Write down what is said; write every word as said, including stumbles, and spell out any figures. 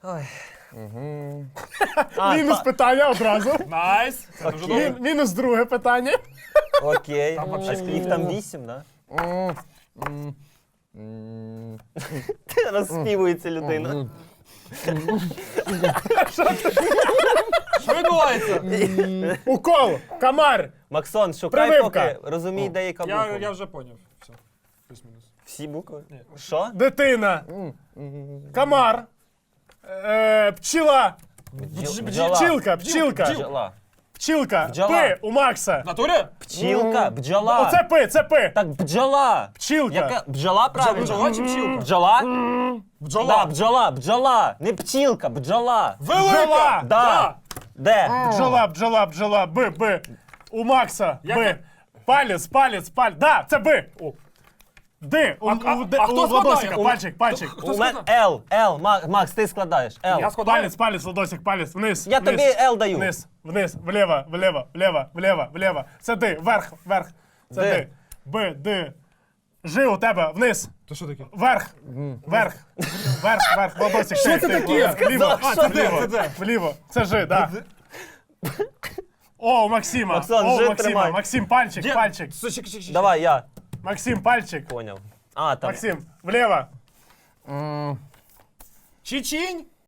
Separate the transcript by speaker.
Speaker 1: Ой.
Speaker 2: А,
Speaker 3: Мінус
Speaker 2: та-
Speaker 3: питання одразу.
Speaker 4: Найс. Це дуже
Speaker 2: Окей.
Speaker 4: добре.
Speaker 3: Мі- Мінус друге питання.
Speaker 2: Окей.
Speaker 4: Там
Speaker 2: А
Speaker 4: вообще
Speaker 2: скільки їх там вісім, да? Розспівується людина.
Speaker 4: Що відбувається?
Speaker 3: Укол, комар.
Speaker 2: Максон, шукай
Speaker 3: Прививка.
Speaker 2: поки, розумій, де яка
Speaker 4: Я,
Speaker 2: буква.
Speaker 4: я вже поняв. Все. Плюс-мінус.
Speaker 2: Всі букви?
Speaker 4: Ні.
Speaker 2: Що?
Speaker 3: Дитина. Комар. Е, Пчела.
Speaker 2: Бджола.
Speaker 3: Пчілка, пчілка.
Speaker 2: Бджола.
Speaker 3: Пчілка.
Speaker 2: Бджола.
Speaker 3: Пи у Макса.
Speaker 4: В натурі?
Speaker 2: Пчілка, бджола.
Speaker 3: Оце пи, це пи.
Speaker 2: Так бджола.
Speaker 3: Пчілка.
Speaker 2: Яка? Бджола, правильно?
Speaker 4: Бджола чи пчілка?
Speaker 2: Бджола?
Speaker 4: Бджола.
Speaker 2: Да, бджола, бджола. Не пчілка, бджола.
Speaker 4: Велика!
Speaker 3: Бджола.
Speaker 2: Да. Де?
Speaker 3: Бджола, бджола, бджола, би, би. У Макса,
Speaker 4: Яка?
Speaker 3: би. Палець, палець, палець. Да, це би. О. Ди. У,
Speaker 4: А-
Speaker 3: у,
Speaker 4: а-
Speaker 3: де-
Speaker 4: а хто
Speaker 3: у
Speaker 4: складає?
Speaker 3: Владосика.
Speaker 4: У-
Speaker 3: Пальчик, пальчик.
Speaker 4: Хто
Speaker 2: У мене
Speaker 4: сказав?
Speaker 2: Л, Л. Ма- Макс, ти складаєш. Л.
Speaker 4: Я складаю.
Speaker 3: Палець, палець, Владосик, палець. Вниз.
Speaker 2: Я
Speaker 3: вниз.
Speaker 2: тобі Л даю.
Speaker 3: Вниз, вниз, вліво, вліво, вліво, вліво, вліво. Це ди, вверх, вверх. Це
Speaker 2: Ди.
Speaker 3: ди. Б, ди. Жи у тебе, вниз.
Speaker 4: То що таке?
Speaker 3: Вверх. Вверх. Вверх, вверх. Владосик.
Speaker 4: Що
Speaker 3: ти,
Speaker 4: це
Speaker 3: ти,
Speaker 4: таке?
Speaker 3: Вліво.
Speaker 2: Сказав,
Speaker 3: А, це
Speaker 2: що
Speaker 3: вліво.
Speaker 4: це де?
Speaker 3: Вліво. Це жи, да. О, у Максима.
Speaker 2: Максон,
Speaker 3: О, у
Speaker 2: жи
Speaker 3: Максима.
Speaker 2: тримай.
Speaker 3: Максим, пальчик,
Speaker 4: Де?
Speaker 3: пальчик.
Speaker 4: Що, чекай, чекай, чекай.
Speaker 2: Давай, я.
Speaker 3: Максим, пальчик.
Speaker 2: Поняв. А, там.
Speaker 3: Максим, вліво.
Speaker 4: Чечінь.